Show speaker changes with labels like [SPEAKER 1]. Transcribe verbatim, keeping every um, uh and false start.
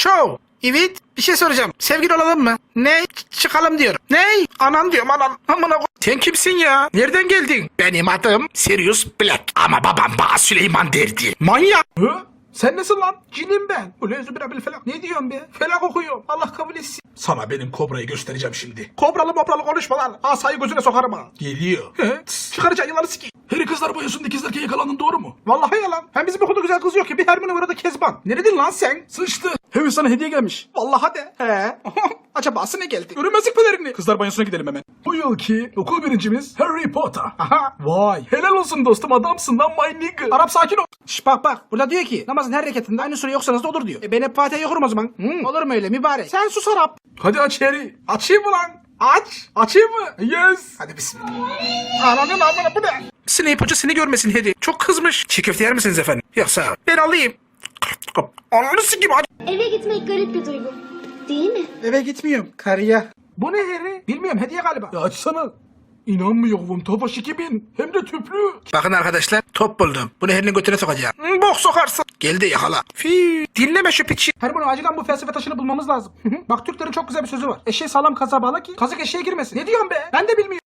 [SPEAKER 1] Çoğu. Evet. Bir şey soracağım. Sevgili olalım mı? Ne? Ç- çıkalım diyorum. Ne? Anan diyorum anan. Amına ko- Sen kimsin ya? Nereden geldin? Benim adım Sirius Black. Ama babam bana Süleyman derdi. Manyak. Hı? Sen nasıl lan? Cinim ben. Ulezü birabil felak. Ne diyorsun be? Felak okuyorum. Allah kabul etsin. Sana benim kobrayı göstereceğim şimdi. Kobralı mobralı konuşma lan. Asayı gözüne sokarım ha. Geliyor. He? Çıkaracağın yılanı sikeyim. Harry kızlar boyasında ikizlerken yakalandın doğru mu? Vallahi yalan. Hem bizim okulda güzel kız yok ki. Bir Hermione var da Kezban. Neredin lan sen? Sıçtı. Harry sana hediye gelmiş. Vallahi de. He. Acaba ne geldi? Görünmezlik pelerini. Kızlar banyosuna gidelim hemen. Bu yılki okul birincimiz Harry Potter. Aha. Vay. Helal olsun dostum, adamsın lan my nigga. Arap sakin ol. Şş bak bak. Burada diyor ki namazın her rekatında aynı sure yoksanız da olur diyor. E ben hep Fatiha'yı okurum o zaman. Hmm. Olur mu öyle mübarek? Sen sus Arap. Hadi aç Harry. Açayım mı lan? Aç. Açayım mı? Yes. Hadi bismillah. Ananın amına bu ne? Snape hoca seni görmesin Harry. Çok kızmış. Çiğ köfte yer misiniz efendim? Yoksa ben alayım. Ananı sikeyim aç.
[SPEAKER 2] Eve gitmek garip bir duygu. Değil mi?
[SPEAKER 1] Eve gitmiyorum. Karıya. Bu ne Harry? Bilmiyorum, hediye galiba. Ya açsana. İnanmıyorum. Tofaş iki bin. Hem de tüplü. Bakın arkadaşlar, top buldum. Bunu Harry'nin götüne sokacağım. Hmm, bok sokarsın. Geldi yakala. Fii. Dinleme şu piçi. Hermione acilen bu felsefe taşını bulmamız lazım. Bak Türklerin çok güzel bir sözü var. Eşeği sağlam kazığa bağla ki kazık eşeğe girmesin. Ne diyorsun be? Ben de bilmiyorum.